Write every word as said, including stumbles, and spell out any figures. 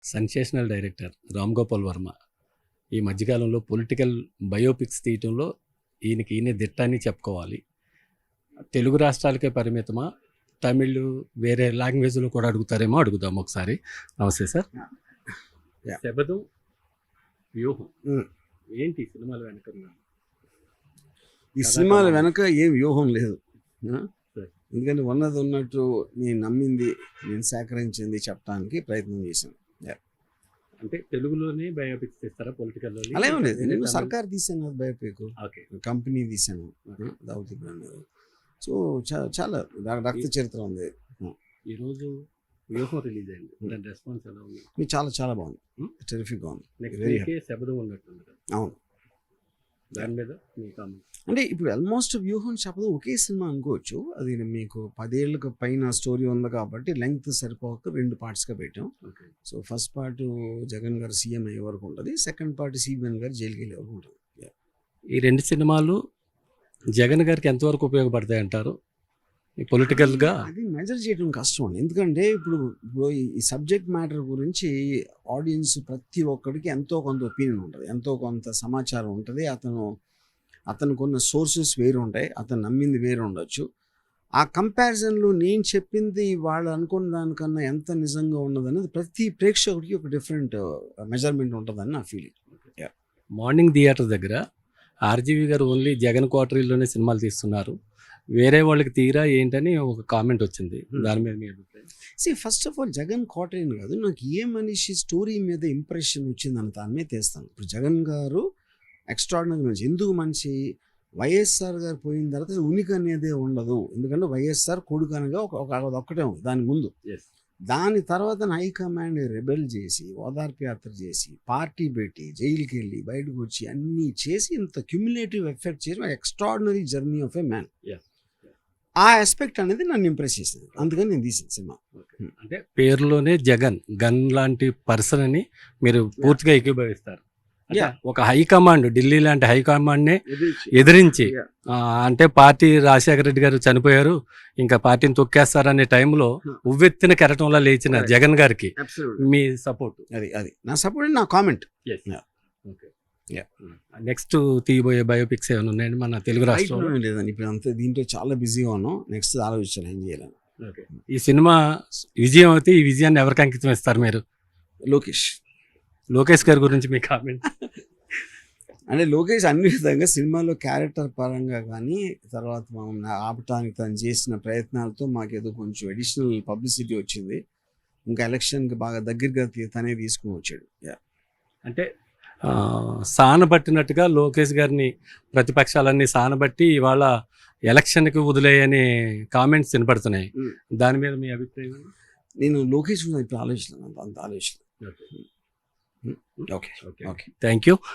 Sensational director Ram Gopal Varma ఈ మధ్యకాలంలో political biopics తీయటంలో ఈయనకి ఈయన దిట్ట అని చెప్పుకోవాలి. తెలుగు రాష్ట్రాలకే పరిమితమా, తమిళ్ వేరే లాంగ్వేజ్లో కూడా అడుగుతారేమో అడుగుదాం ఒకసారి. నమస్తే సార్. శబదం వ్యూహం ఏంటి సినిమాల వెనక? ఈ సినిమాల వెనక ఏం వ్యూహం లేదు, ఎందుకంటే ఉన్నది ఉన్నట్టు నేను నమ్మింది, నేను సేకరించింది చెప్పడానికి ప్రయత్నం చేశాను. అంటే తెలుగులోనే బయోపిక్స్ తీస్తారా పొలిటికల్? అలా ఏం లేదు, నేను సర్కార్ తీసాను కదా బయోపిక్, కంపెనీ తీసాను దావుతీ బ్రాండ్. సో చాలా రక్త చరిత్ర ఉంది. ఈరోజు వ్యూహం రిలీజ్ అయింది, దాని రెస్పాన్స్ ఎలా ఉంది? చాలా చాలా బాగుంది, టెరిఫిక్గా ఉంది. శబదం ఉన్నట్టుంది. అవును, దాని మీద మీ కామెంట్ అంటే ఇప్పుడు ఆల్మోస్ట్ వ్యూహం శబదం ఒకే సినిమా అనుకోవచ్చు. అది మీకు పదేళ్ళకు పైన స్టోరీ ఉంది కాబట్టి లెంగ్త్ సరిపోక రెండు పార్ట్స్గా పెట్టాం. సో ఫస్ట్ పార్ట్ జగన్ గారు సీఎం అయ్యే వరకు ఉంటుంది, సెకండ్ పార్ట్ సీఎం గారు జైలుకి వెళ్ళే వరకు ఉంటుంది. ఈ రెండు సినిమాలు జగన్ గారికి ఎంతవరకు ఉపయోగపడతాయి అంటారు పొలిటికల్గా? అది మెజర్ చేయడం కష్టం అండి, ఎందుకంటే ఇప్పుడు ఇప్పుడు ఈ సబ్జెక్ట్ మ్యాటర్ గురించి ఆడియన్స్ ప్రతి ఒక్కడికి ఎంతో కొంత ఒపీనియన్ ఉంటుంది, ఎంతో కొంత సమాచారం ఉంటుంది. అతను అతను కొన్న సోర్సెస్ వేరు ఉంటాయి, అతను నమ్మింది వేరు ఉండొచ్చు. ఆ కంపారిజన్లో నేను చెప్పింది వాళ్ళు అనుకున్న దానికన్నా ఎంత నిజంగా ఉన్నదనేది ప్రతి ప్రేక్షకుడికి ఒక డిఫరెంట్ మెజర్మెంట్ ఉంటుందని నా ఫీలింగ్. మార్నింగ్ థియేటర్ దగ్గర ఆర్జీవి గారు ఓన్లీ జగన్ క్వార్టరీలోనే సినిమాలు తీస్తున్నారు, వేరే వాళ్ళకి తీరా ఏంటని ఒక కామెంట్ వచ్చింది, దాని మీద మీ అభిప్రాయం? See first of all Jagan క్వార్టరీ కాదు, నాకు ఏ మనిషి స్టోరీ మీద ఇంప్రెషన్ వచ్చిందని దాని మీద తీస్తాను. ఇప్పుడు జగన్ గారు ఎక్స్ట్రాడినరీ మనిషి. ఎందుకు మనిషి? వైఎస్ఆర్ గారు పోయిన తర్వాత ఉనికి అనేదే ఉండదు, ఎందుకంటే వైఎస్ఆర్ కొడుకు అనగా ఒక ఒక్కటే ఉంది దాని ముందు. దాని తర్వాత హైకమాండ్ రెబెల్ చేసి ఓదార్పు యాత్ర చేసి పార్టీ పెట్టి జైలుకి వెళ్ళి బయటకు వచ్చి అన్నీ చేసి ఇంత క్యుములేటివ్ ఎఫెక్ట్ చేసి extraordinary journey of a man. ఆ ఆస్పెక్ట్ అనేది నన్ను ఇంప్రెస్ చేసింది, అందుకని నేను తీసిన సినిమా. అంటే పేరులోనే జగన్, గన్ లాంటి పర్సన్ అని మీరు పూర్తిగా ఏకీభవిస్తారు. ఒక హైకమాండ్, ఢిల్లీ లాంటి హైకమాండ్ నే ఎదిరించి, అంటే పార్టీ రాజశేఖర రెడ్డి గారు చనిపోయారు, ఇంకా పార్టీని తొక్కేస్తారనే టైంలో ఉవ్వెత్తిన కెరటంలో లేచిన జగన్ గారికి మీ సపోర్ట్? అది అది నా సపోర్ట్, నా కామెంట్. నెక్స్ట్ తీయబోయే బయోపిక్స్ ఏమైనా ఉన్నాయండి మన తెలుగు రాష్ట్రంలో? లేదండి, ఇప్పుడు అంతా దీంట్లో చాలా బిజీగా ఉన్నాం, నెక్స్ట్ ఆలోచించాను ఏం చేయాలని. ఈ సినిమా విజయం అయితే ఈ విజయాన్ని ఎవరికి అంకితం ఇస్తారు మీరు? లోకేష్. లోకేష్ గారి గురించి మీ కామెంట్? అంటే లోకేష్ అన్ని విధంగా సినిమాలో క్యారెక్టర్ పరంగా కానీ, తర్వాత మనం ఆపటానికి తను చేసిన ప్రయత్నాలతో మాకేదో కొంచెం అడిషనల్ పబ్లిసిటీ వచ్చింది. ఇంకా ఎలక్షన్కి బాగా దగ్గరగా తనే తీసుకుని వచ్చాడు. అంటే సానబట్టినట్టుగా లోకేష్ గారిని ప్రతిపక్షాలన్నీ సానబట్టి ఇవాళ ఎలక్షన్కి వదిలేయని కామెంట్స్ వినపడుతున్నాయి, దాని మీద మీ అభిప్రాయం? నేను లోకేష్ ఇప్పుడు ఆలోచన అంత ఆలోచన. Okay okay thank you.